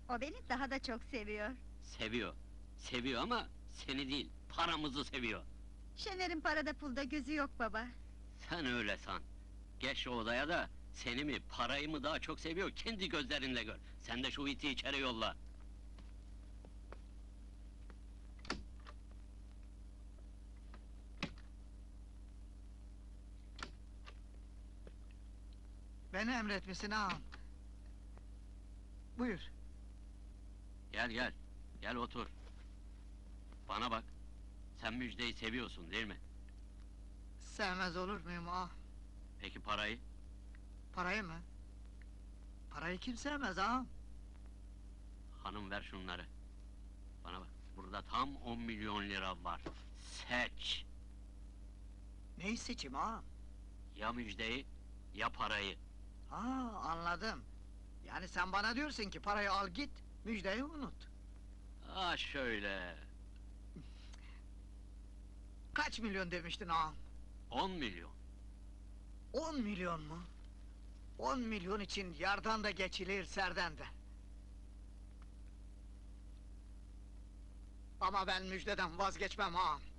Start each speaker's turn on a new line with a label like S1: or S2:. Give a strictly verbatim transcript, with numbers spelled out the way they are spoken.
S1: O beni daha da çok seviyor.
S2: Seviyor. Seviyor ama seni değil, paramızı seviyor.
S1: Şener'in parada pulda gözü yok baba.
S2: Sen öyle san. Geç o odaya da, seni mi, parayı mı daha çok seviyor, kendi gözlerinle gör. Sen de şu iti içeri yolla.
S3: Beni emretmişsin ağam. Buyur.
S2: Gel gel, gel otur. Bana bak, sen Müjde'yi seviyorsun değil mi?
S3: Sevmez olur muyum ağam?
S2: Peki parayı?
S3: Parayı mı? Parayı kim sevmez ağam?
S2: Hanım ver şunları. Bana bak, burada tam on milyon lira var. Seç!
S3: Neyi seçeyim ağam?
S2: Ya Müjde'yi, ya parayı.
S3: Ha, anladım. Yani sen bana diyorsun ki parayı al git, müjdeyi unut.
S2: Ah şöyle,
S3: Kaç milyon demiştin ağam?
S2: on milyon.
S3: On milyon mu? On milyon için yardan da geçilir, serden de. Ama ben müjdeden vazgeçmem ağam.